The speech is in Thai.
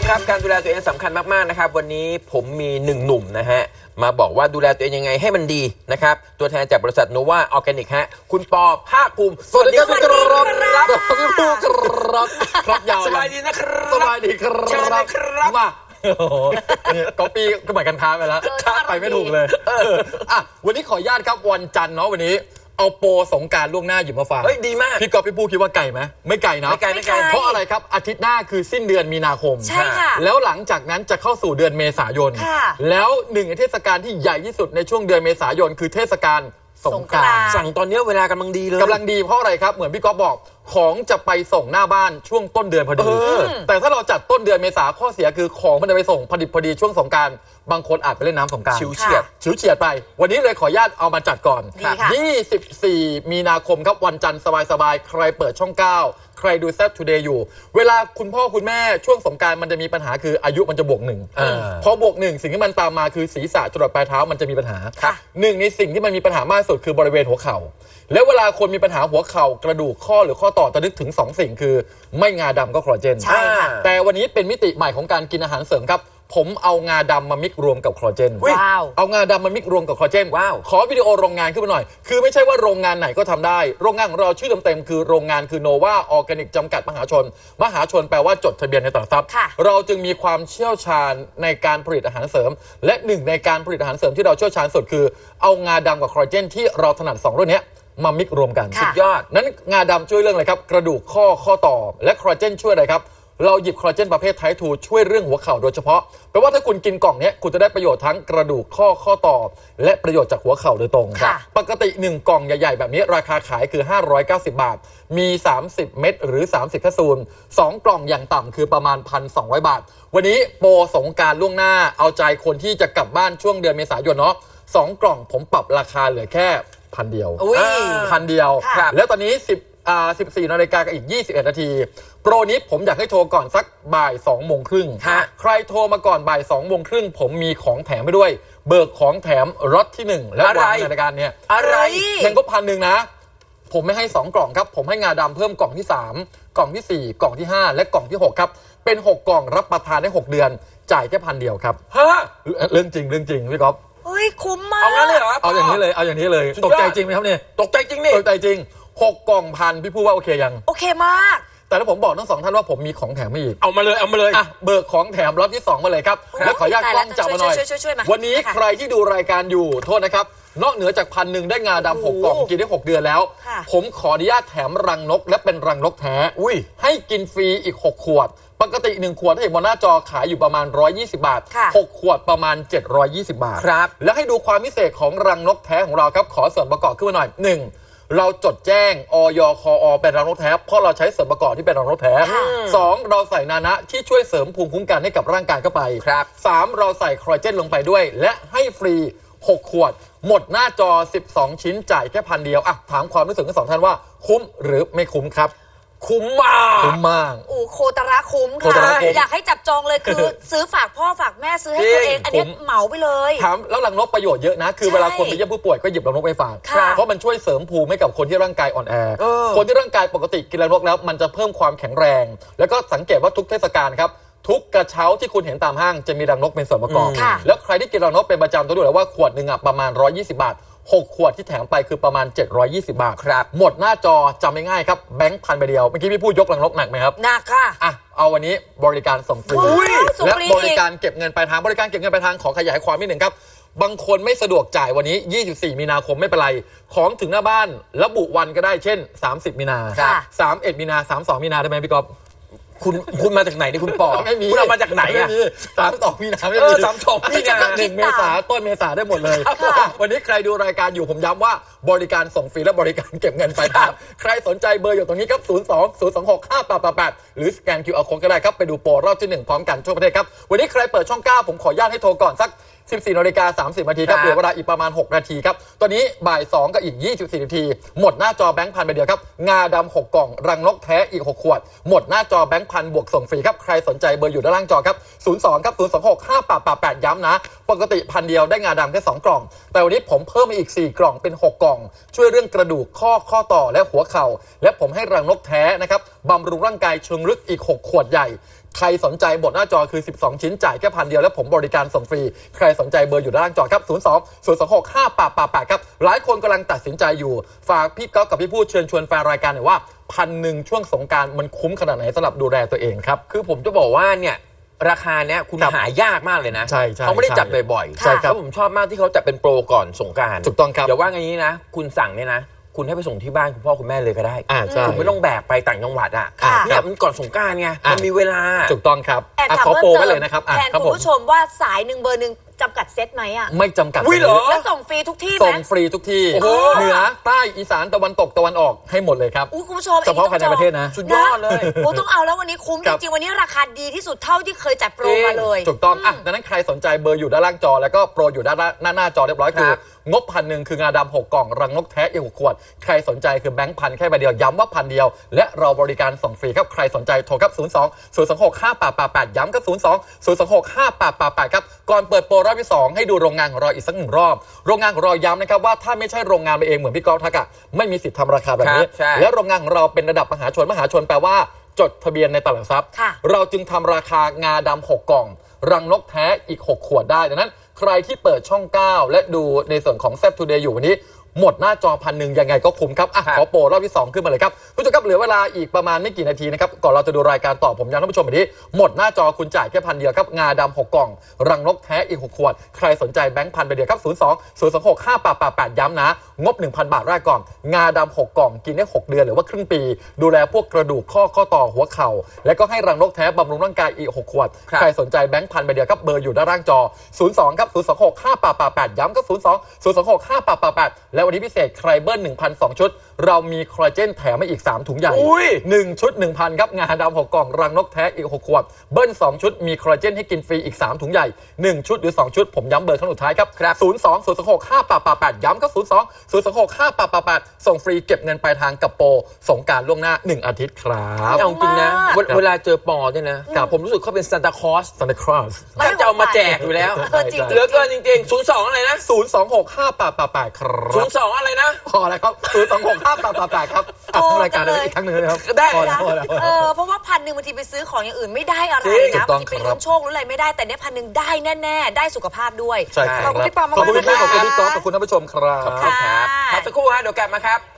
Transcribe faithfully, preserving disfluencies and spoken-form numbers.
ครับการดูแลตัวเองสำคัญมากๆนะครับวันนี้ผมมีหนึ่งหนุ่มนะฮะมาบอกว่าดูแลตัวเองยังไงให้มันดีนะครับตัวแทนจากบริษัทโนวาออร์แกนิกฮะคุณปอภาคภูมิสวัสดีครับครับพี่ผู้ครับครับยาวสบายดีนะครับสบายดีครับเชิญเลยครับมาโอ้โหเนี่ยก๊อปปี้ก็เหมือนกันค้าไปแล้วไปไม่ถูกเลยเอออ่ะวันนี้ขออนุญาตครับวันจันทร์เนาะวันนี้เอาโปรสงกรานต์ล่วงหน้าหยิบมาฝากเฮ้ยดีมากพี่ก๊อฟพี่ผู้คิดว่าไก่ไหมไม่ไก่นะไม่ไกลไม่ไกลเพราะอะไรครับอาทิตย์หน้าคือสิ้นเดือนมีนาคมใช่ค่ะแล้วหลังจากนั้นจะเข้าสู่เดือนเมษายนค่ะแล้วหนึ่งในเทศกาลที่ใหญ่ที่สุดในช่วงเดือนเมษายนคือเทศกาลสงกรานต์สั่งตอนนี้เวลากำลังดีเลยกำลังดีเพราะอะไรครับเหมือนพี่ก๊อฟบอกของจะไปส่งหน้าบ้านช่วงต้นเดือนพอดีเออแต่ถ้าเราจัดต้นเดือนเมษาข้อเสียคือของมันจะไปส่งพอดีพอดีช่วงสงกรานต์บางคนอาจไปเล่นน้ำสงกรานต์ชิวเฉียดชิวเฉียดไป วันนี้เลยขออนุญาตเอามาจัดก่อนดีค่ะยี่สิบสี่มีนาคมครับวันจันทร์สบายๆใครเปิดช่องเก้าใครดูแซดทูเดย์อยู่เวลาคุณพ่อคุณแม่ช่วงสงกรานต์มันจะมีปัญหาคืออายุมันจะบวกหนึ่งอ่าพอบวกหนึ่งสิ่งที่มันตามมาคือศีรษะจรดปลายเท้ามันจะมีปัญหาค่ะหนึ่งในสิ่งที่มันมีปัญหามากที่สุดคือบริเวณหัวเข่าแล้วเวลาคนมีปัญหาหัวเข่ากระดูกข้อหรือข้อต่อจะนึกถึงสองสิ่งคือไม่งาดำก็คอลลาเจนใช่ค่ะแต่วันนี้เป็นมิติใหม่ของการกินอาหารเสริมครับผมเอางาดำมามิกรวมกับคอลลาเจนอุ๊ยว้าวเอางาดำมามิกรวมกับคอลลาเจนว้าวขอวิดีโอโรงงานขึ้นมาหน่อย คือไม่ใช่ว่าโรงงานไหนก็ทำได้ โรงงานของเราชื่อเต็มๆคือโรงงานคือโนวาออร์แกนิกจำกัดมหาชน มหาชนแปลว่าจดทะเบียนในตลาดทรัพย์ค่ะเราจึงมีความเชี่ยวชาญในการผลิตอาหารเสริม และหนึ่งในการผลิตอาหารเสริมที่เราเชี่ยวชาญสุดคือเอางาดำกับคอลลาเจนที่เราถนัดสองเรื่องนี้มามิกรวมกันค่ะสุดยอดนั้นงาดำช่วยเรื่องอะไรครับกระดูกข้อข้อต่อและคอลลาเจนช่วยอะไรครับเราหยิบคอลลาเจนประเภทไทป์ทูช่วยเรื่องหัวเข่าโดยเฉพาะแปลว่าถ้าคุณกินกล่องนี้คุณจะได้ประโยชน์ทั้งกระดูกข้อข้อต่อและประโยชน์จากหัวเข่าโดยตรงค่ะปกติหนึ่งกล่องใหญ่ๆแบบนี้ราคาขายคือห้าร้อยเก้าสิบบาทมีสามสิบเม็ดหรือสามสิบแคปซูลสองกล่องอย่างต่ำคือประมาณ หนึ่งพันสองร้อย บาทวันนี้โปรสงกรานต์ล่วงหน้าเอาใจคนที่จะกลับบ้านช่วงเดือนเมษายนเนาะสองกล่องผมปรับราคาเหลือแค่พันเดียวอุ้ยพันเดียวค่ะแล้วตอนนี้สิบอ่าสิบสี่นาฬิกากับอีกยี่สิบเอ็ดนาทีโปรนี้ผมอยากให้โทรก่อนสักบ่ายสองโมงครึ่งฮะใครโทรมาก่อนบ่ายสองโมงครึ่งผมมีของแถมไปด้วย เบิกของแถมรถที่หนึ่งแล้ววางในรายการเนี่ยอะไรเพียงก็พันหนึ่งนะ ผมไม่ให้สองกล่องครับ ผมให้งาดำเพิ่มกล่องที่สามกล่องที่สี่กล่องที่ห้าและกล่องที่หกครับเป็นหกกล่องรับประทานได้หกเดือนจ่ายแค่พันเดียวครับฮะเรื่องจริงเรื่องจริงพี่ก๊อฟเฮ้ยคุ้มมากเอางั้นเลยเหรอเอาอย่างนี้เลยเอาอย่างนี้เลยสุดยอดตกใจจริงไหมครับเนี่ยตกใจจริงนี่ตกใจจริงหกกล่องพันพี่พูดว่าโอเคยังโอเคมากแต่ถ้าผมบอกทั้งสองท่านว่าผมมีของแถมให้อีกเอามาเลยเอามาเลยอ่ะเบิกของแถมล็อตที่สองมาเลยครับโอ้ยแล้วขออนุญาตตายกแล้ล้ว องจับมาหน่อยช่วยช่วยช่วยมาวันนี้ค่ะใครที่ดูรายการอยู่โทษนะครับนอกเหนือจากพันหนึ่งได้งาดำหกโอ้กโหล่องกินได้หกเดือนแล้วค่ะผมขออนุญาตแถมรังนกและเป็นรังนกแท้อุ้ยให้กินฟรีอีกหกขวด ปกติหนึ่งขวดถ้าเห็นบนหน้าจอขายอยู่ประมาณหนึ่งร้อยยี่สิบบาทค่ะหกขวดประมาณเจ็ดร้อยยี่สิบบาทครับแล้วให้ดูความพิเศษของรังนกแท้ของเราครับขอส่วนประกอบขึ้นมาหน่อยหนึ่งเราจดแจ้งอย คอ เป็นรังนกแท้เพราะเราใช้ส่วนประกอบที่เป็นรังนกแท้ค่ะสองเราใส่นานะที่ช่วยเสริมภูมิคุ้มกันให้กับร่างกายเข้าไปครับสามเราใส่คอลลาเจนลงไปด้วย และให้ฟรีหกขวด หมดหน้าจอสิบสองชิ้นจ่ายแค่พันเดียวอ่ะถามความรู้สึกทั้งสองท่านว่าคุ้มหรือไม่คุ้มครับคุ้มมากคุ้มมากโอ้โคตระคุ้มโคค่ะตระคุ้มอยากให้จับจองเลยคือ ซื้อฝากพ่อฝากแม่ซื้อให้ตัวเอง อันนี้คุ้มเหมาไปเลยถามแล้วรังนกประโยชน์เยอะนะ คือใช่เวลาคนไปเยี่ยมผู้ป่วยก็หยิบรังนกไปฝากค่ะเพราะมันช่วยเสริมภูมิให้กับคนที่ร่างกายอ่อนแอเออคนที่ร่างกายปกติกินรังนกแล้วมันจะเพิ่มความแข็งแรง แล้วก็สังเกตว่าทุกเทศกาลครับทุกกระเช้าที่คุณเห็นตามห้างจะมีรังนกเป็นส่วนประกอบค่ะแล้วใครที่กินรังนกเป็นประจำจะรู้เลยว่าขวดหนึ่งอ่ะประมาณหนึ่งร้อยยี่สิบบาทหกขวดที่แถมไปคือประมาณเจ็ดร้อยยี่สิบบาทครับหมดหน้าจอจำง่ายๆครับแบงค์พันไปเดียวเมื่อกี้พี่พูดยกรังนกหนักไหมครับหนักค่ะอ่ะเอาวันนี้บริการส่งฟรีว้าวส่งและฟรีบริการเก็บเงินปลายทางบริการเก็บเงินปลายทางขอขยายความนิดหนึ่งครับบางคนไม่สะดวกจ่ายวันนี้ยี่สิบสี่มีนาคมไม่เป็นไรของถึงหน้าบ้านระบุวันก็ได้เช่นสามสิบมีนาค่ะสามสิบเอ็ดมีนาสามสิบสองมีนาได้ไหมพี่ก๊อฟคุณคุณมาจากไหนนี่คุณปอไม่มีคุณเอามาจากไหนไม่อะมีสามสิบสองมีนาไม่เอมีอสามสิบสองมีนาหนึ่งเมษาต้นเมษาได้หมดเลยค่ะวันนี้ใครดูรายการอยู่ผมย้ำว่าบริการส่งฟรีและบริการเก็บเงินปลายทางใครสนใจเบอร์อยู่ตรงนี้ครับศูนย์ สอง ศูนย์ สอง หก ห้า แปด แปด แปดหรือสแกน คิว อาร์ Code ก็ได้ครับไปดูโปรรอบที่หนึ่งพร้อมกันทั่วประเทศครับวันนี้ใครเปิดช่องเก้าผมขออนุญาตให้โทรก่อนสักสิบสี่นาฬิกาสามสิบนาทีครับครับเหลือเวลาอีกประมาณหกนาทีครับตอนนี้บ่ายสองกับอีกยี่สิบสี่นาทีหมดหน้าจอแบงค์พันไปเดียวครับงาดำหกกล่องรังนกแท้อีกหกขวดหมดหน้าจอแบงค์พันบวกส่งฟรีครับใครสนใจเบอร์อยู่ด้านล่างจอครับศูนย์ สอง ครับ ศูนย์ สอง หก ห้า แปด แปด แปดย้ำนะปกติพันเดียวได้งาดำแค่สองกล่องแต่วันนี้ผมเพิ่มมาอีกสี่กล่องเป็นหกกล่องช่วยเรื่องกระดูกข้อข้อต่อและหัวเข่าและผมให้รังนกแท้นะครับบำรุงร่างกายเชิงลึกอีกหกขวดใหญ่ใครสนใจบทหน้าจอคือสิบสองชิ้นจ่ายแค่พันเดียวแล้วผมบริการส่งฟรีใครสนใจเบอร์อยู่ด้านล่างจอครับศูนย์สอง ศูนย์ สอง หก ห้า แปด แปด แปดครับหลายคนกำลังตัดสินใจอยู่ฝากพี่ก๊อฟกับพี่พูดเชิญชวนแฟนรายการหน่อยว่าพันหนึ่งช่วงสงกรานต์มันคุ้มขนาดไหนสำหรับดูแลตัวเองครับคือผมจะบอกว่าเนี่ยราคาเนี้ยคุณครับหายากมากเลยนะใช่ใช่เขาไม่ได้จัดใช่บ่อยใช่ครับแล้วผมชอบมากที่เขาจัดเป็นโปรก่อนสงกรานต์ถูกต้องครับอย่าว่างี้นะ คุณสั่งเนี่ยนะ คุณให้ไปส่งที่บ้านคุณพ่อคุณแม่เลยก็ได้อ่าใช่คุณไม่ต้องแบกไปต่างจังหวัดอ่ะค่ะเนี่ยมันก่อนสงกรานต์ไงอ่ะมันมีเวลาถูกต้องครับแอบอ่ะถามขอเพิ่โปรมไว้เติเลมยนะครับอ่ะแทนครับคุณผมผู้ชมว่าสายหนึ่งเบอร์หนึ่งจำกัดเซตไหมอ่ะไม่จำกัดอุ๊ยเหรอแล้วส่งฟรีทุกที่ไหมส่งฟรีทุกที่โอ้โหเหนือใต้อีสานตะวันตกตะวันออกให้หมดเลยครับอุ้ยคุณผู้ชมเฉพาะภายในประเทศนะสุดยอดเลยโอ้ต้องเอาแล้ววันนี้คุ้มคจรับริงๆวันนี้ราคาดีที่สุดเท่าที่เคยจัดโปรมาเลยถูกต้องอ่ะดังนั้นใครสนใจเบอร์อยู่ด้านล่างจอแล้วก็โปรอยู่ด้านหน้าหน้าจอเรียบร้อยคือครับงบพันหนึ่งคืองาดำหกกล่องรังนกแท้อีกหกขวดใครสนใจคือแบงค์พันแค่ใบเดียวย้ำว่าพันเดียวและเราบริการส่งฟรีครับใครสนใจโทรครับศูนย์ สอง ศูนย์ สอง หก ห้า แปด แปด แปดย้ำครับศูนย์ สอง ศูนย์ สอง หก ห้า แปด แปด แปดครับก่อนเปิดโปรรอบที่สองให้ดูโรงงานของเราอีกสักหนึ่งรอบโรงงานของเราย้ำนะครับว่าถ้าไม่ใช่โรงงานไปเองเหมือนพี่กอล์ฟทักอะไม่มีสิทธิ์ทำราคาแบบนี้ครับใช่และโรงงานของเราเป็นระดับมหาชนมหาชนแปลว่าจดทะเบียนในตลาดหลักทรัพย์ค่ะเราจึงทำราคางาดำหกกล่อง รังนกแท้อีกหกขวดได้ดังนั้นใครที่เปิดช่องเก้าและดูในส่วนของแซ่บทูเดย์อยู่วันนี้หมดหน้าจอพันหนึ่งยังไงก็คุ้มครับอ่ะครับขอโปรรอบที่สองขึ้นมาเลยครับผู้ชมครับเหลือเวลาอีกประมาณไม่กี่นาทีนะครับก่อนเราจะดูรายการต่อผมย้ำท่านผู้ชมแบบนี้หมดหน้าจอคุณจ่ายแค่พันเดียวครับงาดำหกกล่อง รังนกแท้อีกหกขวดใครสนใจแบงค์พันไปเดียวครับศูนย์ สอง ศูนย์ สอง หก ห้า แปด แปด แปดย้ำนะงบ หนึ่งพัน บาทแรกก่อนงาดำหกกล่องกินได้หกเดือนหรือว่าครึ่งปี ดูแลพวกกระดูกข้อข้อต่อหัวเข่าและก็ให้รังนกแท้บำรุงร่างกายอีกหกขวดครับใครสนใจแบงค์พันไปเดียวครับเบอร์อยู่ด้านล่างจอศูนย์ สอง ครับ ศูนย์ สอง หก ห้า แปด แปด แปดย้ำก็ศูนย์ สอง ศูนย์ สอง หก ห้า แปด แปด แปดและวันนี้พิเศษใครเบิ้ล หนึ่งพันสอง ชุดเรามีคอลลาเจนแถมมาอีกสามถุงใหญ่อุ้ยหนึ่งชุด หนึ่งพัน ครับงาดำหกกล่องรังนกแท้อีกหกขวดเบิ้ลสองชุดมีคอลลาเจนให้กินฟรีอีกสามถุงใหญ่หนึ่งชุดหรือสองชุดผมย้ำเบอร์ครั้งสุดท้ายครับครับศูนย์ สอง ศูนย์ สอง หก ห้า แปด แปด แปดย้ำก็ศูนย์ สอง ศูนย์ สอง หก ห้า แปด แปด แปดส่งฟรีเก็บเงินปลายทางกับโปรสงกรานต์ล่วงหน้าหนึ่งอาทิตย์ครับเอาจริงนะมากเวลเวลาเจอปอเนี่ยนะผมรู้สึกเขาเป็นซานตาคลอสซันตาคลอสก็จะเอามาแจกอยู่แล้วเออจริงๆเหลือเกินจริงๆศูนย์สองอะไรนะศูนย์ สอง หก ห้า แปด แปด แปดครัศูบนย์สองอะไรนะพอแล้วครับศูนย์ สอง หก ห้า แปด แปด แปดครับอ่ะโอ้ทำรายการจังเลยได้อีกครั้งหนึ่งนะครับได้พอแล้วนะพอแล้วเออเพราะว่าพันหนึ่งบางทีไปซื้อของอย่างอื่นไม่ได้อะไรจริงนะถูกต้บาองงทีไปครับลุ้นโชคหรืออะไรไม่ได้แต่เนี้ยพันหนึ่งได้แน่ๆได้สุขภาพด้วยใช่ครับขอบคุณพี่ปอมากๆขอบคุณพี่นะคะขอบคุณพี่ก๊อฟขอบคุณท่านผู้ชมครับขอบคุณครับค่ะพักสักครู่ฮะเดี๋ยวกลับมาครับ